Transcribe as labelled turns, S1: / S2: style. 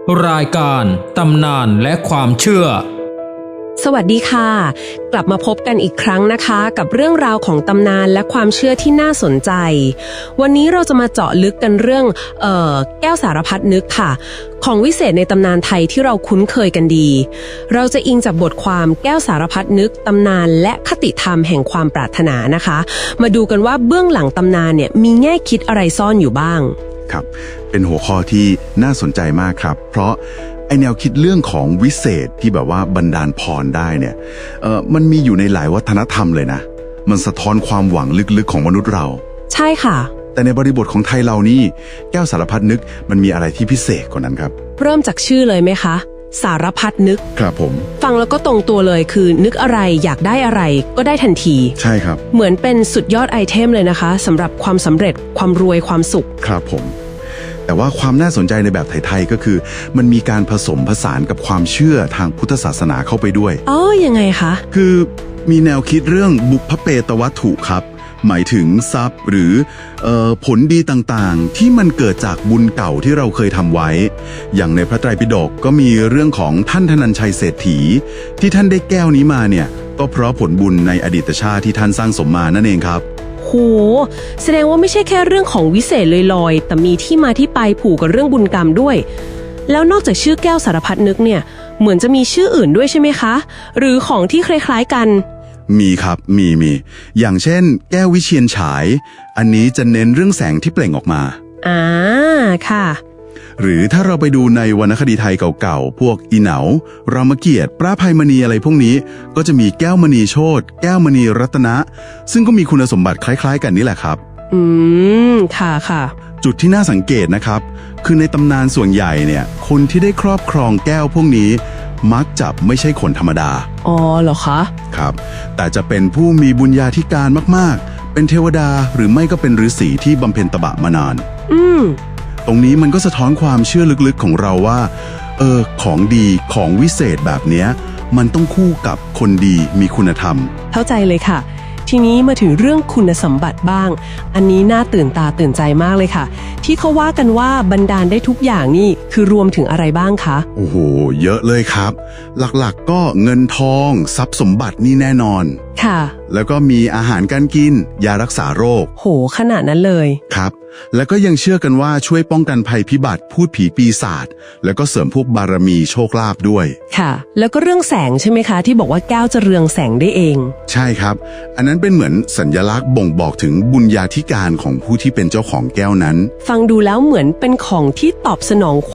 S1: รายการตำนานและความเชื่อ
S2: สวัสดีค่ะกลับมาพบกันอีกครั้งนะคะกับเรื่องราวของตำนานและความเชื่อที่น่าสนใจวันนี้เราจะมาเจาะลึกกันเรื่องแก้วสารพัดนึกค่ะของวิเศษในตำนานไทยที่เราคุ้นเคยกันดีเราจะอิงจากบทความแก้วสารพัดนึกตำนานและคติธรรมแห่งความปรารถนานะคะมาดูกันว่าเบื้องหลังตำนานเนี่ยมีแง่คิดอะไรซ่อนอยู่บ้าง
S3: ครับเป็นหัวข้อที่น่าสนใจมากครับเพราะไอแนวคิดเรื่องของวิเศษที่แบบว่าบันดาลพรได้เนี่ยมันมีอยู่ในหลายวัฒนธรรมเลยนะมันสะท้อนความหวังลึกๆของมนุษย์เรา
S2: ใช่ค่ะ
S3: แต่ในบริบทของไทยเรานี่แก้วสารพัดนึกมันมีอะไรที่พิเศษกว่านั้นครับ
S2: เริ่มจากชื่อเลยไหมคะสารพัดนึก
S3: ครับผม
S2: ฟังแล้วก็ตรงตัวเลยคือนึกอะไรอยากได้อะไรก็ได้ทันที
S3: ใช่ครับ
S2: เหมือนเป็นสุดยอดไอเทมเลยนะคะสำหรับความสำเร็จความรวยความสุข
S3: ครับผมแต่ว่าความน่าสนใจในแบบไทยๆก็คือมันมีการผสมผสานกับความเชื่อทางพุทธศาสนาเข้าไปด้วย
S2: ยังไงคะ
S3: คือมีแนวคิดเรื่องบุพเพตวัตถุครับหมายถึงทรัพย์หรือผลดีต่างๆที่มันเกิดจากบุญเก่าที่เราเคยทำไว้อย่างในพระไตรปิฎกก็มีเรื่องของท่านธนัญชัยเศรษฐีที่ท่านได้แก้วนี้มาเนี่ยก็เพราะผลบุญในอดีตชาติที่ท่านสร้างสมมานั่นเองครับ
S2: โหแสดงว่าไม่ใช่แค่เรื่องของวิเศษลอยๆแต่มีที่มาที่ไปผูกกับเรื่องบุญกรรมด้วยแล้วนอกจากชื่อแก้วสารพัดนึกเนี่ยเหมือนจะมีชื่ออื่นด้วยใช่ไหมคะหรือของที่คล้ายๆกัน
S3: มีครับมีอย่างเช่นแก้ววิเชียรฉายอันนี้จะเน้นเรื่องแสงที่เปล่งออกมา
S2: ค่ะ
S3: หรือถ้าเราไปดูในวรรณคดีไทยเก่าๆพวกอีเหนารามเกียรติ์พระอภัยมณีอะไรพวกนี้ก็จะมีแก้วมณีโชติแก้วมณีรัตนะซึ่งก็มีคุณสมบัติคล้ายๆกันนี่แหละครับ
S2: ค่ะ
S3: จุดที่น่าสังเกตนะครับคือในตำนานส่วนใหญ่เนี่ยคนที่ได้ครอบครองแก้วพวกนี้มักจะไม่ใช่คนธรรมดา
S2: เหรอคะ
S3: ครับแต่จะเป็นผู้มีบุญญาธิการมากๆเป็นเทวดาหรือไม่ก็เป็นฤาษีที่บำเพ็ญตบะมานานตรงนี้มันก็สะท้อนความเชื่อลึกๆของเราว่าของดีของวิเศษแบบเนี้ยมันต้องคู่กับคนดีมีคุณธรรม
S2: เข้าใจเลยค่ะทีนี้มาถึงเรื่องคุณสมบัติบ้างอันนี้น่าตื่นตาตื่นใจมากเลยค่ะที่เขาว่ากันว่าบันดาลได้ทุกอย่างนี่คือรวมถึงอะไรบ้างคะ
S3: โอ้โหเยอะเลยครับหลักๆก็เงินทองทรัพย์สมบัตินี่แน่นอน
S2: ค่ะ
S3: แล้วก็มีอาหารการกินยารักษาโรค
S2: โหขนาดนั้นเลย
S3: ครับแล้วก็ยังเชื่อกันว่าช่วยป้องกันภัยพิบัติพูดผีปีศาจแล้วก็เสริมพวกบารมีโชคลาภด้วย
S2: ค่ะแล้วก็เรื่องแสงใช่ไหมคะที่บอกว่าแก้วจะเรืองแสงได้เอง
S3: ใช่ครับอันนั้นเป็นเหมือนสัญลักษณ์บ่งบอกถึงบุญญาธิการของผู้ที่เป็นเจ้าของแก้วนั้น
S2: ฟังดูแล้วเหมือนเป็นของที่ตอบสนอง